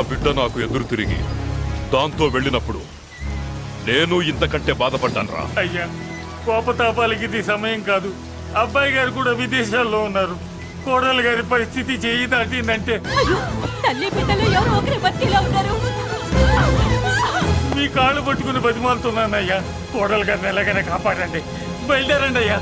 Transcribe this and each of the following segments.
బిడ్డ నాకు ఎదురు తిరిగి దాంతో వెళ్ళినప్పుడు నేను ఇంతకంటే బాధపడ్డానురా. అయ్యా, కోపతాపాలకి ఇది సమయం కాదు. అబ్బాయి గారు కూడా విదేశాల్లో ఉన్నారు. కోడలు గారి పరిస్థితి చేయి దాటిందంటే తల్లి బిడ్డలు ఎవరో ఒకరి బతికిలా ఉన్నారు. మీ కాళ్ళు పట్టుకుని బతిమాలుతున్నానయ్యా. కోడలు గారిని ఎలాగైనా కాపాడండి. బయలుదేరండి అయ్యా.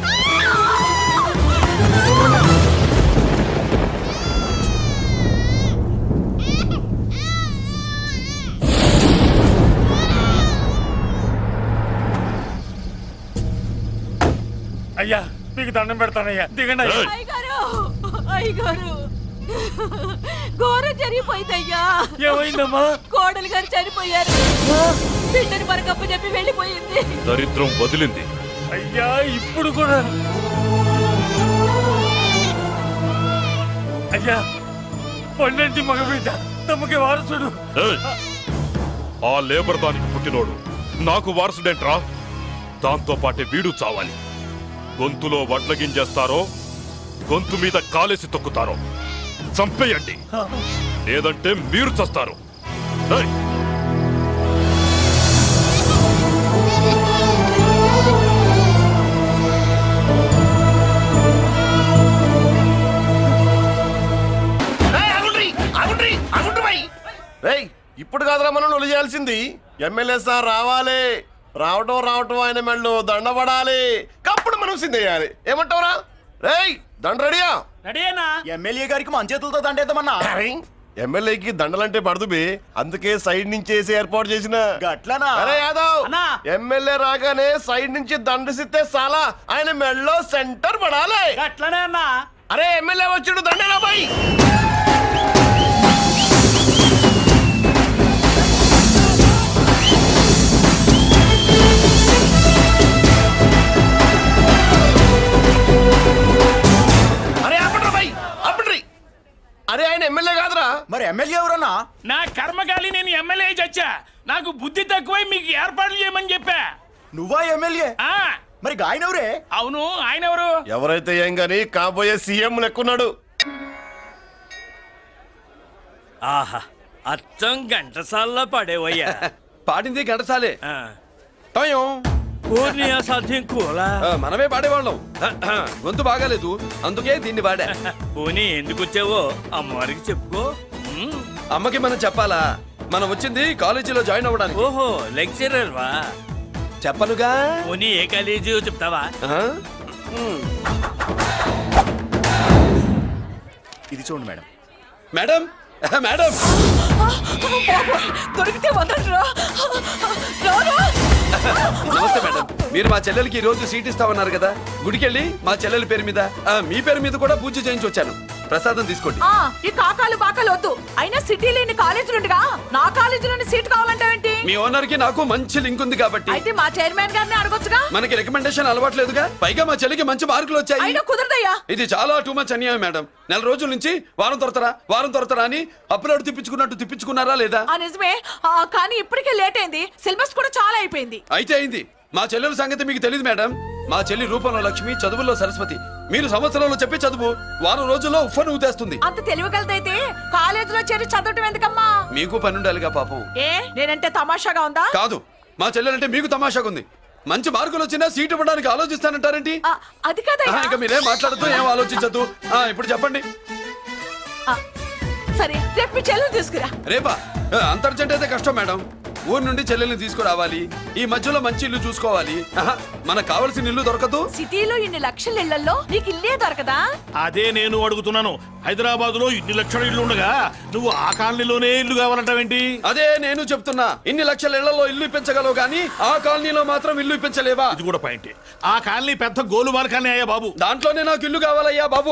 అయ్యా, మీకు దండం పెడతానయ్యా, దిగండి అయ్యా. అయ్యగారు ఘోరం జరిగిపోయిందయ్యా. ఏమైందమ్మా? కోడలు గారు చనిపోయారు. బిడ్డని మనకప్ప చెప్పి వెళ్ళిపోయింది. దరిద్రం వదిలింది. అయ్యా, ఇప్పుడు కూడా అయ్యా, పండంటి మగబిడ్డ తమకి వారసుడు. ఆ లేబర్ దానికి పుట్టినోడు నాకు వారసుడేంట్రా? దాంతో పాటే వీడు చావాలి. గొంతులో వడ్ల గింజేస్తారో గొంతు మీద కాలేసి తొక్కుతారో చంపేయండి, లేదంటే మీరు చస్తారు. ఇప్పుడు కాదురా మనం నొలి చేయాల్సింది. ఎమ్మెల్యే సార్ రావాలి. రావటం ఆయన మెళ్ళు దండపడాలి. కప్పుడు మనం సిద్ధేయాలి. ఏమంటావురా? రేయ్, దండ రెడీయా? రెడీనా? ఎమ్మెల్యే గారికి మన చేతులతో దండేద్దామన్నా. ఎమ్మెల్యేకి దండలంటే పడదు బే, అందుకే సైడ్ నుంచి వేసి ఏర్పాటు చేసిన. గట్లనా? అరే యాదవ్, ఎమ్మెల్యే రాగానే సైడ్ నుంచి దండసిస్తే చాలా ఆయన మెళ్ళో సెంటర్ పడాలి. గట్లనే అన్నా. అరే ఎమ్మెల్యే వచ్చాడు, దండేరా బాయ్. అరే ఆయన ఎమ్మెల్యే కాదురా. మరి ఎమ్మెల్యే ఎవరన్నా? నా కర్మకాలి, నేను ఎమ్మెల్యే చచ్చా. నాకు బుద్ధి తక్కువై మీకు ఏర్పాట్లు చేయమని చెప్పా. నువ్వా ఎమ్మెల్యే? మరి ఆయన ఎవరే? అవును, ఆయన ఎవరు? ఎవరైతే ఏం గాని కాబోయే సీఎం లెక్కున్నాడు. ఆహా, అచ్చం ఘంటసాల్లో పాడేవయ్యా. పాడింది ఘంటసాలే. సాధ్యం కూలా మనమే పాడేవాళ్ళం. గొంతు బాగాలేదు, అందుకే దీన్ని పాడా. పోనీ ఎందుకు వచ్చావో అమ్మవారికి చెప్పుకో. అమ్మకి మనం చెప్పాలా? మనం వచ్చింది కాలేజీలో జాయిన్ అవ్వడానికి. ఓహో, లెక్చరర్ వా? చెప్పనుగా. పోనీ ఏ కాలేజీ చెప్తావా? ఇది చూడండి మేడం. మేడం మేడం దొరికితే వదలరా. నమస్తే మేడం. మీరు మా చెల్లెలకి ఈ రోజు సీట్ ఇస్తామన్నారు కదా, గుడికెళ్ళి మా చెల్లెల పేరు మీద మీ పేరు మీద కూడా పూజ చేయించి వచ్చాను. ప్రసాదం తీసుకోండి. ఈ కాకాలు బాకాలు వద్దు. అయినా సిటీలో ఇన్ని కాలేజీలు ఉండగా నా కాలేజీలోని సీట్ కావాలంటావేంటి? మీ ఓనర్ కి నాకు మంచి లింక్ ఉంది కాబట్టి. అయితే మా చైర్మన్ గారిని అడగొచ్చుగా. మనకి రికమెండేషన్ అలవాట్లేదుగా. పైగా మా చెల్లికి మంచి మార్కులు వచ్చాయి. అయినా కుదరదయ్యా. ఇది చాలా టూ మచ్ అన్యాయం మేడం. నెల రోజుల నుంచి వారం తొరతరా అని అప్లోడ్ తిప్పించుకున్నారా లేదా? నిజమే, కానీ ఇప్పటికే లేట్ అయింది. సిలబస్ కూడా చాలా అయిపోయింది. అయితే అయింది. మా చెల్లెల సంగతి మీకు తెలియదు మేడం. మా చెల్లి రూపంలో లక్ష్మి, చదువుల్లో సరస్వతి. మీరు సంవత్సరంలో చెప్పే చదువు వారం రోజుల్లో ఉఫ్ఫను ఊదేస్తుంది. అంత తెలివిగలదైతే కాలేజీలో చేరి చదవటం ఎందుకమ్మా? మీకు పని ఉండాలిగా పాపం. నేనంటే తమాషాగా ఉందా? కాదు, మా చెల్లెలంటే మీకు తమాషాగా ఉంది. మంచి మార్కులు వచ్చినా సీట్ ఇవ్వడానికి ఆలోచిస్తానంటారేంటి? అది కదా. ఇంకా మీరేం మాట్లాడుతూ ఏం ఆలోచించద్దు. ఇప్పుడు చెప్పండి. సరే, రేపు మీ చెల్లెలు తీసుకురా. రేపా? అంత అర్జెంట్ అయితే కష్టం మేడం. ఊరు నుండి చెల్లెల్ని తీసుకురావాలి. ఈ మధ్యలో మంచి ఇల్లు చూసుకోవాలి. మనకు కావాల్సిన ఇల్లు దొరకదు. సిటీలో ఇన్ని లక్షల ఇళ్లలో నీకు ఇల్లే దొరకదా? అదే నేను అడుగుతున్నాను. హైదరాబాద్ లో ఇన్ని లక్షల ఇల్లు ఉండగా నువ్వు ఆ కాలనీలోనే ఇల్లు కావాలంటావేంటి? అదే నేను చెప్తున్నా. ఇన్ని లక్షల ఇళ్లలో ఇల్లు ఇప్పించగలవు గానీ ఆ కాలనీలో మాత్రం ఇల్లు ఇప్పించలేవా? ఇది కూడా పాయింట్. ఆ కాలనీ పెద్ద గోలుమార్ కాలనీ అయ్యా బాబు. దాంట్లోనే నాకు ఇల్లు కావాలయ్యా బాబు.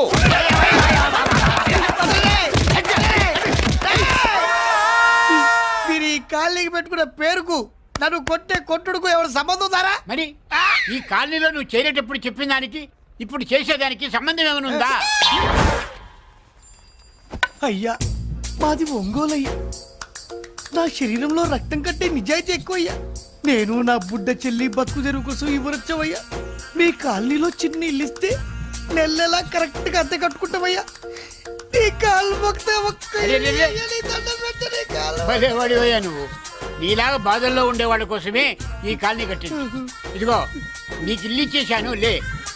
మీరు ఈ కాలనీకి పెట్టుకున్న పేరుకు నన్ను కొట్టే కొట్టుడుకు ఎవరు సంబంధం ఉందారా? మరి ఈ కాలనీలో నువ్వు చేరేటప్పుడు చెప్పిన దానికి ఇప్పుడు చేసేదానికి సంబంధం ఏమైనా ఉందా? అయ్యా, మాది ఒంగోలయ్యా. నా శరీరంలో రక్తం కట్టే నిజాయితీ ఎక్కువయ్యా. నేను నా బుడ్డ చెల్లి బతుకు తెరువు కోసం ఇవ్వరొచ్చావయ్యా. మీ కాలనీలో చిన్న ఇల్లు ఇస్తే నెలలా కరెక్ట్ గా అద్దె కట్టుకుంటామయ్యా. నీ నీ కాలు మొక్కితే ఒక్క అరే, అరే, అరే. నీ దండం పెట్టు, నీ కాలు. భలేవాడివయ్యా నువ్వు. నీలాగా బాధల్లో ఉండేవాళ్ళ కోసమే ఈ కాలనీ కట్టింది. ఇదిగో నీకు ఇల్లు ఇచ్చేశాను, లే.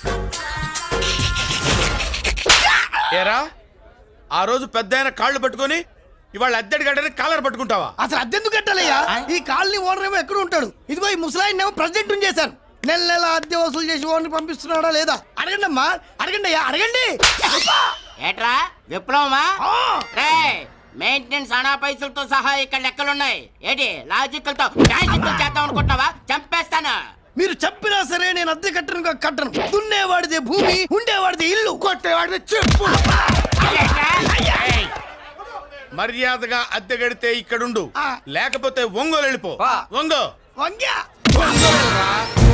ఏరా ఆ రోజు పెద్ద కాళ్ళు పట్టుకొని ఇవాళ అద్దెడి గడ్డని కాలర్ పట్టుకుంటావా? అసలు అద్దెందుకు కట్టాలయ్యా? ఈ కాలనీ ఓనర్ ఏమో ఎక్కడ ఉంటాడు? ఇదిగో ఈ ముసలాయిన్ ఏమో ప్రెసిడెంట్ చేశారు. నెల నెల అద్దె వసూలు చేసి ఓనర్ పంపిస్తున్నాడా లేదా అడగండి అమ్మా, అడగండి అయ్యా, అడగండి. ఏట్రా విప్లవమా? ఆ. రే మెయింటెనెన్స్ అనా పైసలతో సహా ఇక్కడ లెక్కలున్నాయి. ఏంటి లాజికల్ తో మ్యాజికల్ చేద్దాం అనుకుంటున్నావా? చంపేస్తాను. మీరు చెప్పినా సరే నేను అద్దె కట్టను. దున్నేవాడిదే భూమి, ఉండేవాడిది ఇల్లు, కొట్టేవాడిది చెప్పు. ఏయ్, మర్యాదగా అద్దె గడితే ఇక్కడుండు, ఆ. లేకపోతే ఒంగోలు వెళ్ళిపో. వా. ఒంగో వంగ్యా. ఒంగోలురా.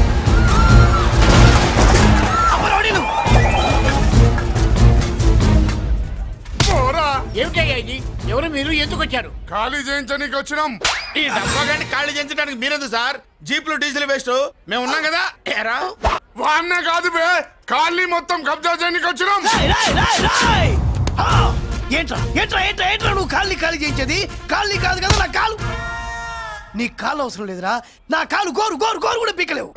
అమ్మరోడి నువ్వు. ఏమిటయ్యా ఇది? ఎవరు మీరు? ఎందుకు వచ్చారు? ఖాళీ చేయించడానికి వచ్చినాం. ఈ డబ్బా గంట ఖాళీ చేయించడానికి మీరెందు సార్? జీప్లు డీజిల్ వేస్ట్, మేము ఉన్నాం కదా. ఏరా వాన్నే కాదు బే, ఖాళీ మొత్తం కబ్జా చేయడానికి వచ్చినాం. రాయ్, రాయ్, రాయ్, రాయ్. ఆ. ఏంట్రా నువ్వు ఖాళీ చేయించేది? ఖాళీ కాదు కదా నా కాలు. నీ కాలు అవసరం లేదురా, నా కాలు గోరు కూడా పీకలేవు.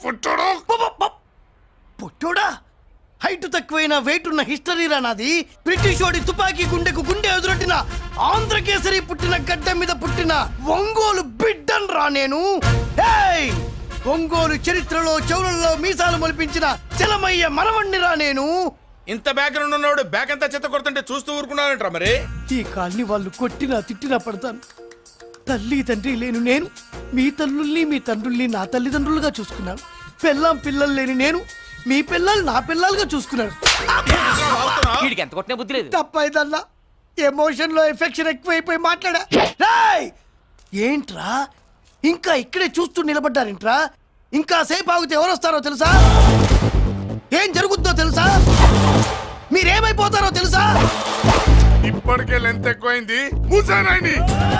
పుట్టోడా, హైట్ తక్కువైన వెయిట్ ఉన్న హిస్టరీరా నాది. బ్రిటిష్ వాడి తుపాకీ గుండెకు గుండె ఎదురొట్టిన ఆంధ్రకేసరి పుట్టిన గడ్డ మీద పుట్టిన ఒంగోలు బిడ్డన్ రా నేను. ఏయ్! ఒంగోలు చరిత్రలో చౌరల్లో మీసాలు మొలిపించిన చలమయ్య మనవణ్ణిరా నేను. ఇంత బ్యాక్గ్రౌండ్ ఉన్నవాడు బ్యాక్ అంతా చెత్త కొడుతుంటే చూస్తూ ఊరుకున్నారంట మరి. ఈ కాల్ని వాళ్ళు కొట్టినా తిట్టినా పడతాను. తల్లి తండ్రి లేను నేను మీ తల్లుల్ని మీ తండ్రుల్ని నా తల్లిదండ్రులుగా చూసుకున్నాను. పెళ్ళాం పిల్లలు లేని నేను మీ పిల్లలు నా పిల్లలుగా చూసుకున్నాను. వీడికి ఎంత కొట్టినా బుద్ధి లేదు. తప్పైదల్లా ఎమోషన్ లో ఎఫెక్షన్ ఎక్కువైపోయి మాట్లాడా. రాయ్! ఏంట్రా ఇంకా ఇక్కడే చూస్తూ నిలబడ్డారేంట్రా? ఇంకా సేపు ఆగితే ఎవరు వస్తారో తెలుసా? ఏం జరుగుద్దో తెలుసా? మీరేమైపోతారో తెలుసా? ఇప్పటికే లెంత్ ఎక్కువైంది. మూసానాయని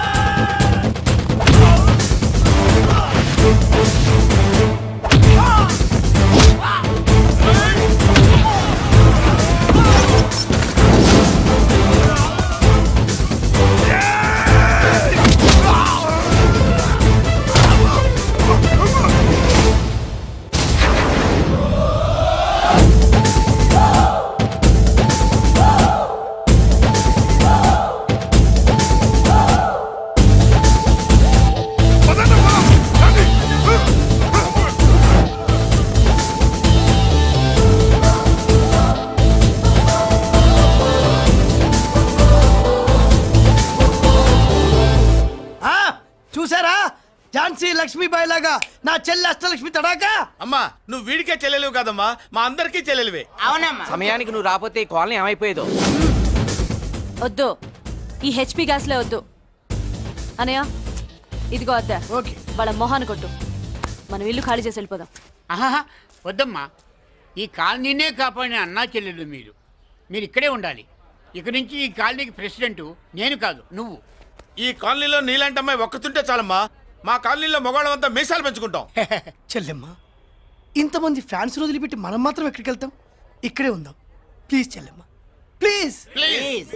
ఆ, చూసారా? ఝాన్సీ లక్ష్మీబాయి లాగా నా చెల్లి అష్టలక్ష్మి తడాకా. అమ్మా నువ్వు వీడికే చెల్లెలివి కాదమ్మా, మా అందరికీ చెల్లెలివే. అవునమ్మా. సమయానికి నువ్వు రాకపోతే ఈ కాలనీ ఏమైపోయేదో. వద్దు, ఈ హెచ్పి గ్యాస్లే వద్దు. అనయ్య ఇదిగో అద్దా, ఓకే. వాళ్ళ మొహాన్ని కొట్టు. మనం ఇల్లు ఖాళీ చేసి వెళ్ళిపోదాం. ఆహా, వద్దమ్మా. ఈ కాలనీనే కాపాడిన అన్నా చెల్లెలు మీరు. మీరు ఇక్కడే ఉండాలి. ఇక నుంచి ఈ కాలనీకి ప్రెసిడెంట్ నేను కాదు, నువ్వు. ఈ కాలనీలో నీలాంటి అమ్మాయి ఒక్కతుంటే చాలమ్మా. మా కాలనీలో మగవాళ్ళంతా మీసాలు పెంచుకుంటాం. చెల్లెమ్మ, ఇంతమంది ఫ్యాన్స్ వదిలిపెట్టి మనం మాత్రం ఎక్కడికి వెళ్తాం? ఇక్కడే ఉందాం ప్లీజ్ చెల్లెమ్మ, ప్లీజ్. ప్లీజ్.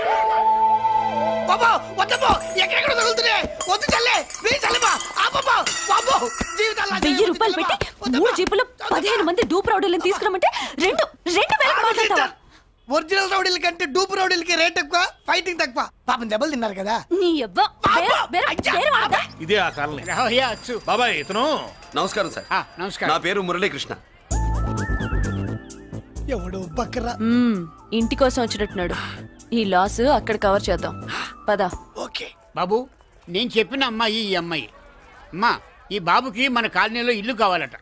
బాబా వద్దమ్మా, ఎక్కడెక్కడ తగులుతున్నాయి. వద్దు చెల్లె, ప్లీజ్ చెల్లెమ్మ. ఆపమ్మా, బాబో, జీవితాల్లో 1000 రూపాయలు పెట్టి 3 జీపులు 15 మంది డూప్ రౌడీలను తీసుకురమంటే 2,000 మాట్లాడతావా? ఒరిజినల్ రౌడీల కంటే డూప్ రౌడీలకి రేట్ ఎక్కువ, ఫైటింగ్ తక్కువ. పాపం దెబ్బలు తిన్నారు కదా. నీ అవ్వ వేరే వాడదా? ఇదే ఆ కాలనీ. రావయ్యా, అచ్చు. బాబాయ్ ఇతను నమస్కారం సార్. నమస్కారం. నా పేరు మురళీకృష్ణ. ఎవడో బకరా. ఇంటి కోసం వచ్చినట్టున్నాడు. ఈ లాస్ అక్కడ కవర్ చేద్దాం పద. ఓకే బాబు, నేను చెప్పిన అమ్మాయి ఈ అమ్మాయి. అమ్మా, ఈ బాబుకి మన కాలనీలో ఇల్లు కావాలట.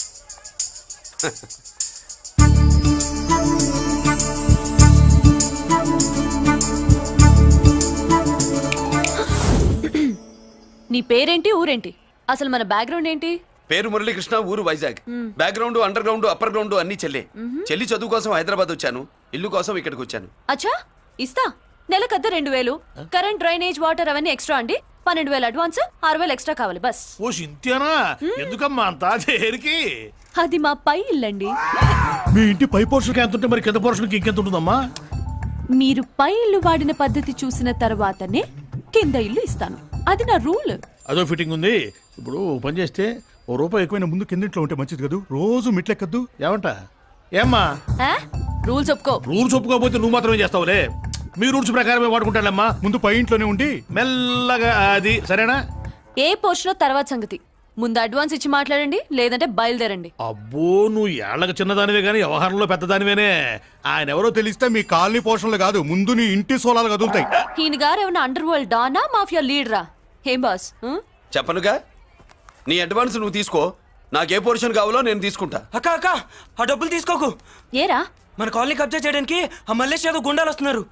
నీ పేరేంటి, ఊరేంటి, అసలు మన బ్యాక్గ్రౌండ్ ఏంటి? పేరు మురళీకృష్ణ, ఊరు Vizag. Background under ground upper ground అన్ని చెల్లి. చెల్లి చదువు కోసం హైదరాబాద్ వచ్చాను, ఇల్లు కోసం ఇక్కడికి వచ్చాను. అచ్చా, ఇస్తా. నెలకద్ద 2000, కరెంట్, డ్రైనేజ్, వాటర్ అవన్నీ ఎక్స్ట్రా అండి. 12,000 అడ్వాన్స్, 6,000 ఎక్స్ట్రా కావాలి బస్. ఓ సింత్యానా, ఎందుకమ్మా అంత దేనికి? అది మా పై ఇల్లండి. మీ ఇంటి పై పోర్షన్కి ఎంత ఉంటే మరి కింద పోర్షన్కి ఇంకెంత ఉంటుందమ్మా? మీరు పై ఇల్లు వాడిన పద్ధతి చూసిన తర్వాతనే కింద ఇల్లు ఇస్తాను. అది నా రూల్. అదో ఫిట్టింగ్ ఉంది. ఇప్పుడు ఓ పని చేస్తే ఓ రూపాయి ఎక్కువైనా ముందు కిందింట్లో ఉంటే మంచిది కదూ. రోజు మిట్లెక్కద్దు ఏమంట? ఏమ్మా రూల్స్ ఒప్పుకో. రూల్స్ ఒప్పుకోకపోతే నువ్వు మాత్రమే చేస్తావులే. మీ రూల్స్ ప్రకారమే వాడుకుంటానమ్మా. ముందు పై ఇంట్లోనే ఉండి మెల్లగా అది సరేనా? ఏ పోర్షనో తర్వాత సంగతి. ముందు అడ్వాన్స్ ఇచ్చి మాట్లాడండి, లేదంటే బయలుదేరండి. అబ్బో, నువ్వు ఏళ్ళకి చిన్నదానివే కానీ వ్యవహారంలో పెద్దదానివేనే. ఆయన ఎవరో తెలిస్తే మీ కాలనీ పోషణలు కాదు, ముందు నీ ఇంటి సోలాలు కదులుతాయి. ఈయన గారు ఏమన్నా అండర్ వరల్డ్ డానా, మాఫియా లీడరా? ఏం బాస్? చెప్పనుగా, నీ అడ్వాన్స్ నువ్వు తీసుకో. నాకే పోర్షన్ కావాలో నేను తీసుకుంటా. అక్క అక్క, ఆ డబ్బులు తీసుకోకు. ఏరా? మన కాలనీ కబ్జా చేయడానికి ఆ మల్లేష్ యాదవ్ గుండాలు వస్తున్నారు.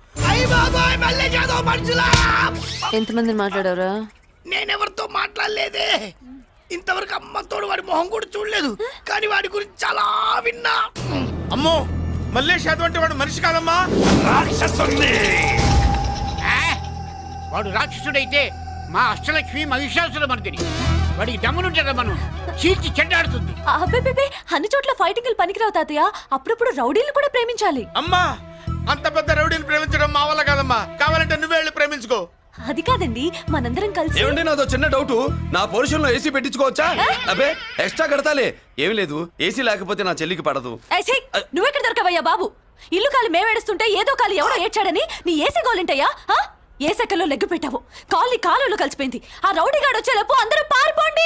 ఎంతమందిని మాట్లాడారా? నేనెవరితో మాట్లాడలేదే. ఇంతవరకు అమ్మతోడు వాడి మొహం కూడా చూడలేదు, కానీ వాడి గురించి చాలా విన్నా. అమ్మో, మల్లేష్ యాదవ్ అంటే వాడు మనిషి కాదమ్మా, రాక్షసుని. వాడు రాక్షసుడైతే మా అష్టలక్ష్మి మహిషాసుల మర్దిని. వాడికి దమ్మునుంటారా మనం చీల్చి చెడ్డాడుతుంది. అబ్బే, అన్ని చోట్ల ఫైటింగ్ పనికిరావు తాతయ్య. అప్పుడప్పుడు రౌడీలు కూడా ప్రేమించాలి. అమ్మా, అంత పెద్ద రౌడీని ప్రేమించడం మా వల్ల కాదమ్మా. కావాలంటే నువ్వే వెళ్ళి ప్రేమించుకో. అది కాదండి, మనందరం కలిసి. ఏమండి, నాదో చిన్న డౌట్. నా పోర్షన్ లో ఏసీ పెట్టించుకోవచ్చా? అబ్బే, ఎక్స్ట్రా కడతాలే. ఏమి లేదు, ఏసీ లేకపోతే నా చెల్లికి పడదు. నువ్వెక్కడ దొరకవయ్యా బాబు? ఇల్లు కాలి మేమేడుస్తుంటే ఏదో కాలి ఎవడో ఏడ్చాడని నీ ఏసీ గోలింటయ్యా? ఏ సెకల్లో లెగ్గు పెట్టావు? కాలి కాలులో కలిసిపోయింది. ఆ రౌడీగాడు వచ్చేలోపు అందరూ పారిపోండి.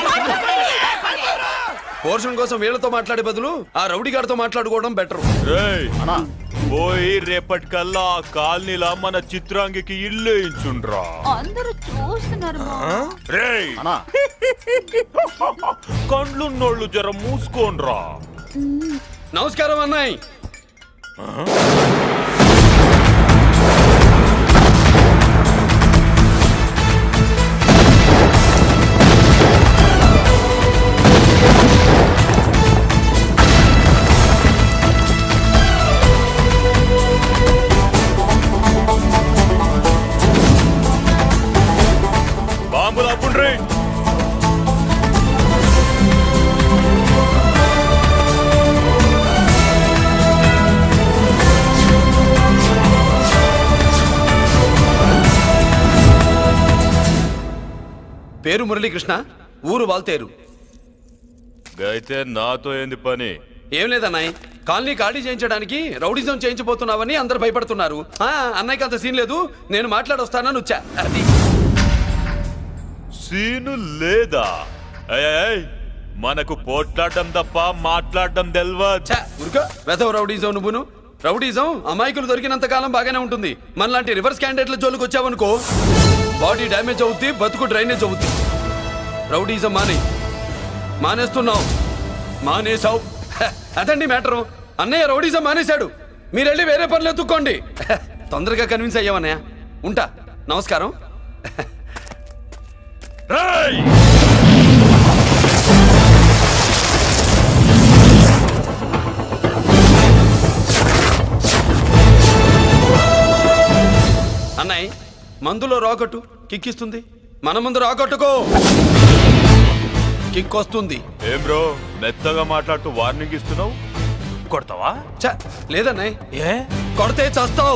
పోర్షన్ కోసం వీళ్ళతో మాట్లాడే బదులు ఆ రౌడీ గారితో మాట్లాడుకోవడం బెటర్. పోయి రేపటికల్లా ఆ కాలనీలా మన చిత్రాంగికి ఇల్లు ఇచ్చుండ్రా. అందరూ చూస్తున్నారు. రేయ్, కండ్లున్నోళ్ళు జర మూసుకోండ్రా. నమస్కారం అన్నాయ్. బాంబులు అప్పుండ్రీ. పేరు మురళీకృష్ణ, ఊరు వాల్తేరు. అయితే నాతో ఏంది పని? ఏం లేదన్నాయ్, కాలనీ ఖాళీ చేయించడానికి రౌడిజం చేయించబోతున్నావని అందరు భయపడుతున్నారు. అన్నయ్యకి అంత సీన్ లేదు, నేను మాట్లాడొస్తానని వచ్చా. అది సీను లేదా? మనకు పోట్లాడడం తప్ప మాట్లాడడం తెల్వా. ఉరుకో, వెధవ రౌడీజం నువ్వును. రౌడీజం అమాయకులు దొరికినంత కాలం బాగానే ఉంటుంది. మనలాంటి రివర్స్ క్యాండిడేట్ల జోలికి వచ్చావనుకో, బాడీ డ్యామేజ్ అవుద్ది, బతుకు డ్రైనేజ్ అవుద్ది. రౌడీజం మానేస్తున్నావు, మానేసావు. అదండి మ్యాటరు. అన్నయ్య రౌడీజం మానేశాడు, మీరెళ్ళి వేరే పనులు ఎత్తుక్కోండి. తొందరగా కన్విన్స్ అయ్యావన్నయ్య. ఉంటా, నమస్కారం. అన్నయ్య, మందులో రాకట్టు కిక్కిస్తుంది, మన ముందు రాకట్టుకో కిక్ వస్తుంది. ఏం బ్రో, మెత్తగా మాట్లాడుతూ వార్నింగ్ ఇస్తున్నావు? కొడతావా? లేదన్నయ్య, ఏ కొడితే చస్తావు.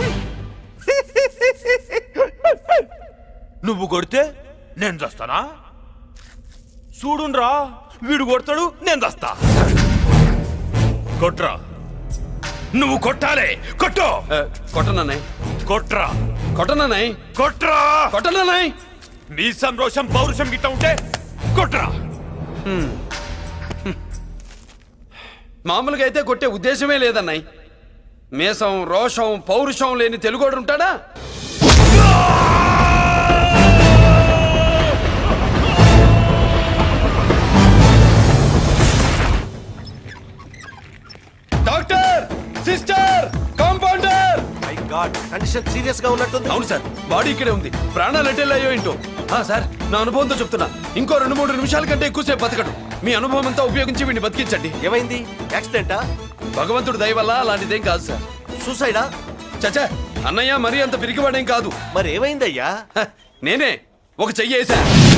నువ్వు కొడితే నేను చస్తానా? చూడుండ్రా, వీడు కొడతాడు, నేను చస్తా. కొట్రా, నువ్వు కొట్టాలి. కొట్టు. కొట్టనన్నయ్య, కొట్రా. కొట్టనన్నయ్య, కొట్రా. కొట్టనన్నయ్య. నీ సంతోషం పౌరుషం గిట్ట ఉంటే కొట్రా. మామూలుగా అయితే కొట్టే ఉద్దేశమే లేదన్నయ్య. మేషం, రోషం, పౌరుషం లేని తెలుగోడు ఉంటాడా? Doctor, sister, compounder. My god, condition serious గా ఉన్నట్టుంది. అవును సార్, బాడీ ఇక్కడే ఉంది. ప్రాణాలు ఎట్టెళ్ళాయో ఏంటో. సార్, నా అనుభవంతో చెప్తున్నా, ఇంకో 2-3 నిమిషాల కంటే ఎక్కువసేపు బతకడు. మీ అనుభవం అంతా ఉపయోగించి వీడిని బతికించండి. ఏమైంది? యాక్సిడెంటా? భగవంతుడు దయ వల్ల అలాంటిదేం కాదు సార్. సూసైడా? చచ్చా, అన్నయ్య మరీ అంత పిరికివాడేం కాదు. మరి ఏమైందయ్యా? నేనే ఒక చెయ్యేసా.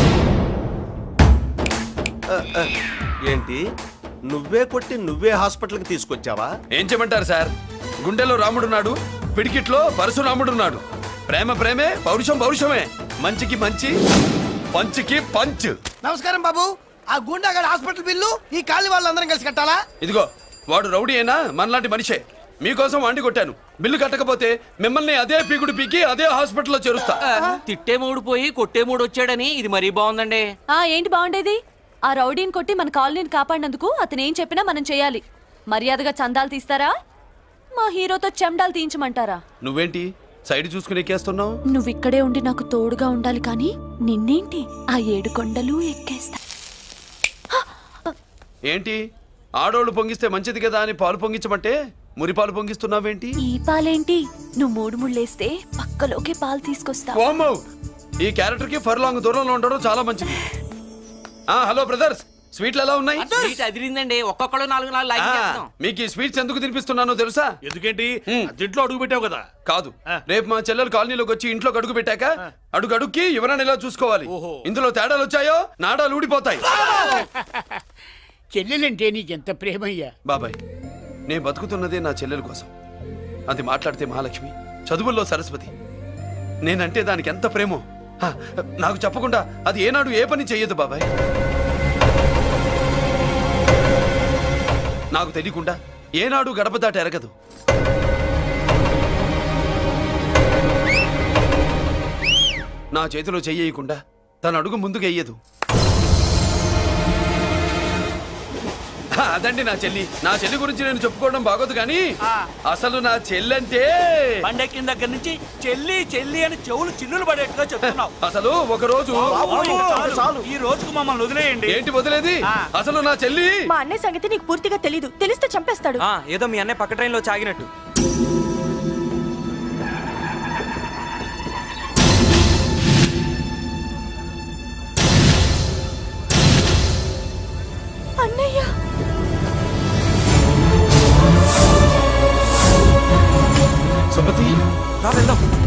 ఏంటి, నువ్వే కొట్టి నువ్వే హాస్పిటల్కి తీసుకొచ్చావా? ఏం చేయమంటారు సార్, గుండెలో రాముడున్నాడు, పిడికిట్లో పరశురాముడున్నాడు. ప్రేమ ప్రేమే, పౌరుషం పౌరుషమే, మంచికి మంచి, పంచికి పంచ్. నమస్కారం బాబు. ఆ గుండాగడ్ హాస్పిటల్ బిల్లు ఈ కాలి వాళ్ళందరం కలిసి కట్టాలా? ఇదిగో వాడు రౌడీ అయినా మనలాంటి మనిషే. మీకోసం వండి కొట్టాను. బిల్లు కట్టకపోతే మిమ్మల్ని అదే పీకుడు పీకి అదే హాస్పిటల్లో చేరుస్తా. తిట్టే మూడు పోయి కొట్టే మూడు వచ్చాడని ఇది మరీ బాగుందండి. ఏంటి బాగుండేది? ఆ రౌడీని కొట్టి మన కాలనీని కాపాడినందుకు అతను ఏం చెప్పినా మనం చేయాలి. మర్యాదగా చందాలు తీస్తారా, మా హీరోతో చెండాలు తీయించమంటారా? నువ్వేంటి సైడ్ చూసుకుని ఎక్కేస్తున్నావు? నువ్విక్కడే ఉండి నాకు తోడుగా ఉండాలి కానీ నిన్నేంటి ఆ 7 కొండలు ఎక్కేస్తా. ఏంటి ఆడోళ్ళు పొంగిస్తే మంచిది కదా అని పాలు పొంగించమంటే మురిపాలు పొంగిస్తున్నావేంటి? ఈ పాలేంటి? నువ్వు 3 ముళ్ళేస్తే పక్కలోకే పాలు తీసుకొస్తా. వామ్మో! ఈ క్యారెక్టర్ కి ఫర్ లాంగ్ దూరంలో ఉండడం చాలా మంచిది. హలో బ్రదర్స్, స్వీట్లు ఎలా ఉన్నాయి? అదిరిందండి. ఒక్కొక్కడు 4 లైక్ చేస్తాం. మీకు ఈ స్వీట్స్ ఎందుకు తినిపిస్తున్నానో తెలుసా? ఎందుకేంటి అర్జెంట్లో అడుగు పెట్టావు కదా. కాదు, రేపు మా చెల్లెలు కాలనీలోకి వచ్చి ఇంట్లో అడుగు పెట్టాక అడుగుకి ఎవరైనా ఇలా చూసుకోవాలి. ఇందులో తేడాలు వచ్చాయో నాడాలు ఊడిపోతాయి. చెల్లెలంటే నీకెంత ప్రేమయ్యా. బాబాయ్, నేను బతుకుతున్నదే నా చెల్లెల కోసం. అది మాట్లాడితే మహాలక్ష్మి, చదువుల్లో సరస్వతి. నేనంటే దానికి ఎంత ప్రేమో నాకు చెప్పకుండా అది ఏనాడు ఏ పని చెయ్యదు బాబాయ్. నాకు తెలియకుండా ఏనాడు గడప దాట ఎరగదు. నా చేతిలో చెయ్యకుండా తన అడుగు ముందుకు వెయ్యదు. అదండి నా చెల్లి. నా చెల్లి గురించి నేను చెప్పుకోవడం బాగోదు కానీ అసలు నా చెల్లంటే పండెక్కిన దగ్గర నుంచి చెల్లి చెల్లి అని చెవులు చిల్లులు పడేట్టుగా చెప్తున్నావు. అసలు ఒక రోజు ఈ రోజుకు మమ్మల్ని వదిలేయండి. ఏంటి వదిలేది? అసలు నా చెల్లి మా అన్నయ్య సంగతి నీకు పూర్తిగా తెలీదు. తెలిస్తే చంపేస్తాడు. ఏదో మీ అన్నయ్య పక్క ట్రైన్ లో చాగినట్టు. అన్నయ్య సుమతి, రా వెళ్దాం.